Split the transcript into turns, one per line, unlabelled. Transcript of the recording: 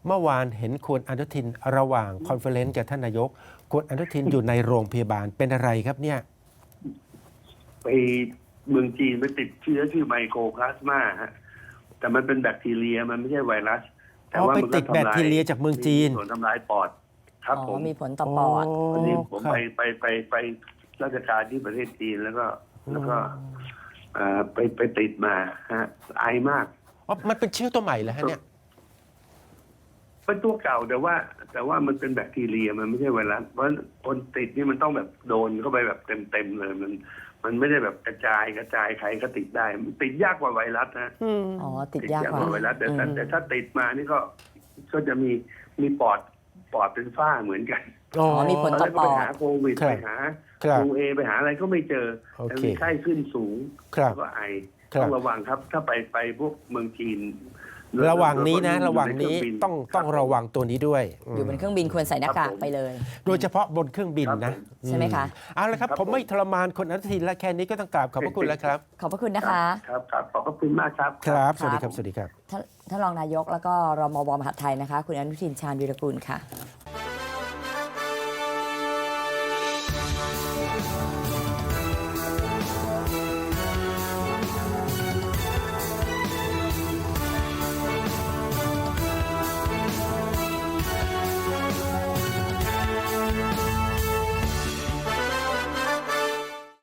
เมื่อวานเห็นคุณอนุทินระหว่างคอนเฟอเรนซ์กับท่านนายกคุณอนุทินอยู่ในโรงพยาบาลเป็นอะไรครับเนี่ย
ไปเมืองจีนไปติดเชื้อชื่อไมโครพลาสมาฮะแต่มันเป็นแบคทีเรียมันไม่ใช่ไวรัสแต่ว่า
ไปติดแบคทีเรียจากเมืองจีน
มีส่วนทำลายปอดครับผม
มีผลต่อปอด
วันนี้ผมไปราชการที่ประเทศจีนแล้วก็ไปติดมาฮะไอมาก
มันเป็นเชื้อตัวใหม่เหรอฮะเนี่ย
เป็นตัวเก่าแต่ว่ามันเป็นแบคทีเรียมันไม่ใช่ไวรัสเพราะคนติดนี่มันต้องแบบโดนเข้าไปแบบเต็มเลยมันไม่ได้แบบกระจายใครก็ติดได้มันติดยากกว่าไวรัสนะ
ติดยากกว่า
ไวรัสแต่ถ้าติดมานี่ก็จะมีปอดเป็นฝ้าเหมือนกัน
มีผลต่อปอด
ไปหาโควิดไปหาดูเอไปหาอะไรก็ไม่เจอแต่มีไข้ขึ้นสูงก็ไอต้องระวังครับถ้าไปพวกเมืองจีน
ระหว่างนี้นะระหว่างนี้ต้องระวังตัวนี้ด้วย
อยู่บนเครื่องบินควรใส่หน้ากากไปเลย
โดยเฉพาะบนเครื่องบินนะ
ใช่ไหมคะ
เอาละครับผมไม่ทรมานคนอนุทินและแค่นี้ก็ต้องกราบขอบพระคุณแล้วครับ
ขอบพระคุณนะคะ
ครับขอบพระคุณมากครับ
ครับสวัสดีครับสวัสดีครับ
ท่านรองนายกแล้วก็รมว.มหาดไทยนะคะคุณอนุทินชาญวีรกูลค่ะ